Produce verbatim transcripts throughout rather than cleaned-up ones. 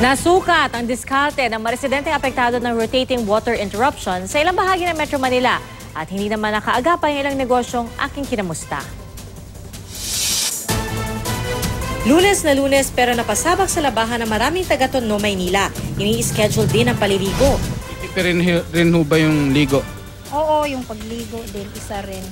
Nasukat ang diskarte ng mga residenteng apektado ng rotating water interruption sa ilang bahagi ng Metro Manila at hindi naman nakaagapay ang ilang negosyong aking kinamusta. Lunes na Lunes pero napasabak sa labahan ng maraming taga-Tondo, Maynila. Ini-schedule din ang paliligo. Pero rin, rin ho ba yung ligo? Oo, yung pagligo din, isa rin.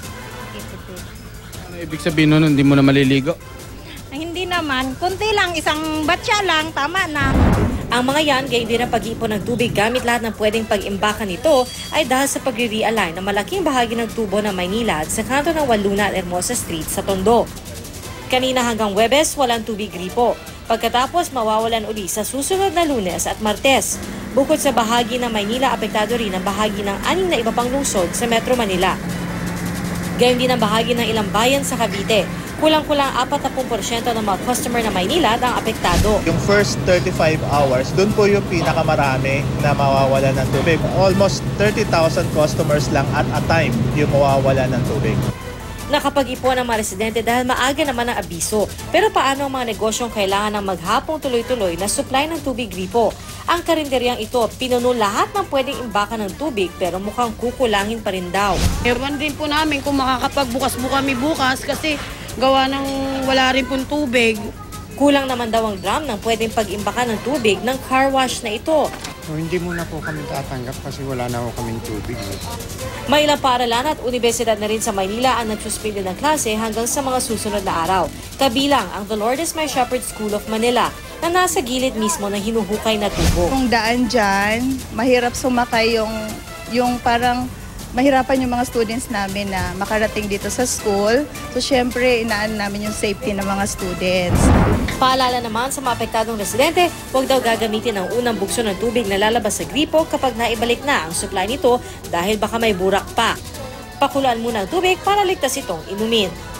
Ano ibig sabihin nun, hindi mo na maliligo? Ay, hindi naman, kunti lang, isang batya lang, tama na. Ang mga yan, gayon din ang pag-iipon ng tubig gamit lahat ng pwedeng pag-imbakan nito ay dahil sa pagre-realign ng malaking bahagi ng tubo ng Maynila at sa kanto ng Waluna at Hermosa Street sa Tondo. Kanina hanggang Huwebes, walang tubig gripo. Pagkatapos, mawawalan uli sa susunod na Lunes at Martes. Bukod sa bahagi ng Maynila, apektado rin ang bahagi ng anim na iba pang lungsod sa Metro Manila. Gayon din ang bahagi ng ilang bayan sa Cavite. Kulang-kulang apat na porsyento ng mga customer na Maynila ang apektado. Yung first thirty-five hours, dun po yung pinakamarami na mawawala ng tubig. Almost thirty thousand customers lang at a time yung mawawala ng tubig. Nakapag-ipon ang mga residente dahil maaga naman ang abiso. Pero paano ang mga negosyong kailangan ng maghapong tuloy-tuloy na supply ng tubig gripo? Ang karinderyang ito, pinuno lahat ng pwedeng imbakan ng tubig pero mukhang kukulangin pa rin daw. Ewan din po namin kung makakapagbukas po kami bukas kasi gawa ng wala rin pong tubig. Kulang naman daw ang drum ng pwedeng pag-imbakan ng tubig ng car wash na ito. So, hindi muna po kami tatanggap kasi wala na po kaming tubig. May ilang paaralan at universidad na rin sa Maynila ang nagsuspindi ng klase hanggang sa mga susunod na araw. Kabilang ang The Lord is My Shepherd School of Manila na nasa gilid mismo ng hinuhukay na tubo. Kung daan dyan, mahirap sumakay yung, yung parang mahirapan yung mga students namin na makarating dito sa school. So, syempre, inaan namin yung safety ng mga students. Paalala naman sa mga apektadong residente, huwag daw gagamitin ang unang bukso ng tubig na lalabas sa gripo kapag naibalik na ang supply nito dahil baka may burak pa. Pakuluan muna ang tubig para ligtas itong inumin.